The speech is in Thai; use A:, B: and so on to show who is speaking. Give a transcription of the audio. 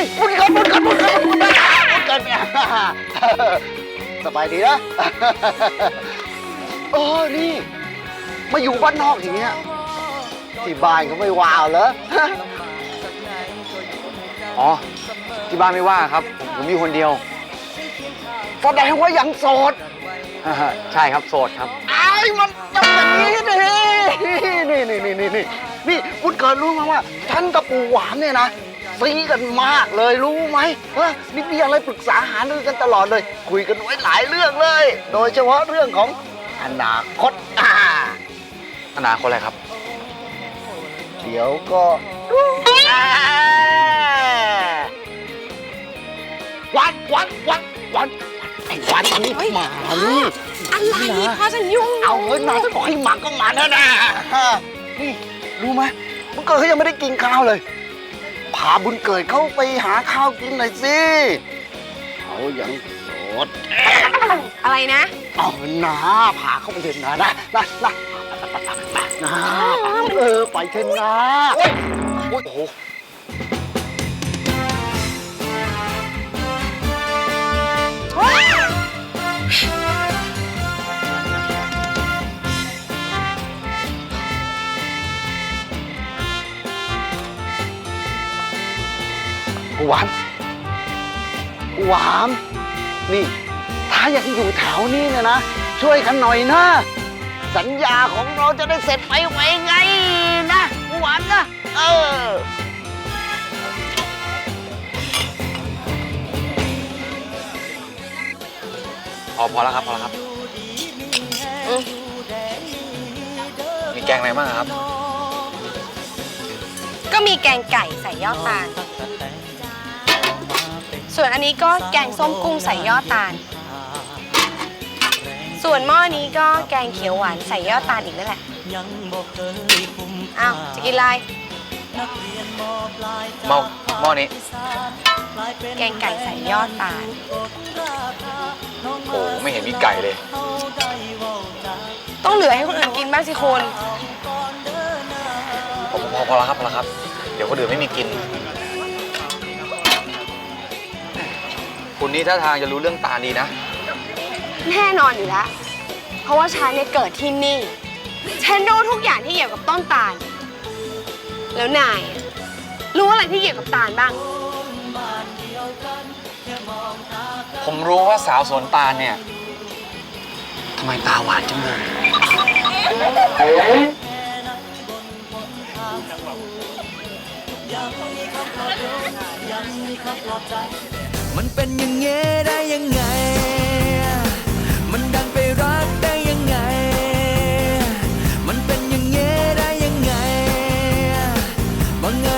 A: บุญเกิดสบายดีนะนี่มาอยู่บ้านนอกอย่างเงี้ยที่บ้านเขาไม่ว้าวเหรอ
B: อ๋อที่บ้านไม่ว่าครับผมมีคนเดียว
A: แสดงว่ายังโสด
B: ใช่ครับโสดครับ
A: มันต้องอย่างนี้ดินี่บุญเกิดรู้ไหมว่าฉันกับปู่หวานเนี่ยนะซีกันมากเลยรู้ไหมนี่มีอะไรปรึกษาหารือกันตลอดเลยคุยกันไว้หลายเรื่องเลย โดยเฉพาะเรื่องของอนาคต
B: อนาคตอะไรครับ
A: เดี๋ยวก็วันไอ้วันนี่มานี่
C: อะไรพ่อฉันยุ่ง
A: เอาเงินมาจะบอกให้หมักก็มาแน่นี่รู้ไหมบุญเกิดเขายังไม่ได้กินข้าวเลยพาบุญเกิดเขาไปหาข้าวกินหน่อยสิเขายังโสด
C: อะไรนะ
A: เอานะพาเขาไปเถอะนะไปเถอะนะโอ้โหหวานนี่ถ้ายังอยู่แถวนี้เนี่ยนะช่วยกันหน่อยนะสัญญาของเราจะได้เสร็จไปไวไงนะหวานนะ
B: พอแล้วครับมีแกงอะไรบ้างครับ
C: ก็มีแกงไก่ใส่ยอดตาลส่วนอันนี้ก็แกงส้มกุ้งใส่ยอดตาลส่วนหม้อนี้ก็แกงเขียวหวานใส่ยอดตาลอีกนั่นแหละอ้าวจะกินอะไร
B: หม้อนี้
C: แกงไก่ใส่ยอดตาล
B: โอ้ไม่เห็นมีไก่เลย
C: ต้องเหลือให้คนอื่นกินบ้างสิคุณ
B: พอแล้วครับเดี๋ยวคนอื่นไม่มีกินคุณนี่ท่าทางจะรู้เรื่องตาลดีนะ
C: แน่นอนอยู่แล้วเพราะว่าฉันเนี่ยเกิดที่นี่ฉันรู้ทุกอย่างที่เกี่ยวกับต้นตาลแล้วนายรู้อะไรที่เกี่ยวกับตาลบ้าง
B: ผมรู้ว่าสาวสวนตาลเนี่ยทำไมตาหวานจังเลย
D: มันเป็นอย่างเงี้ย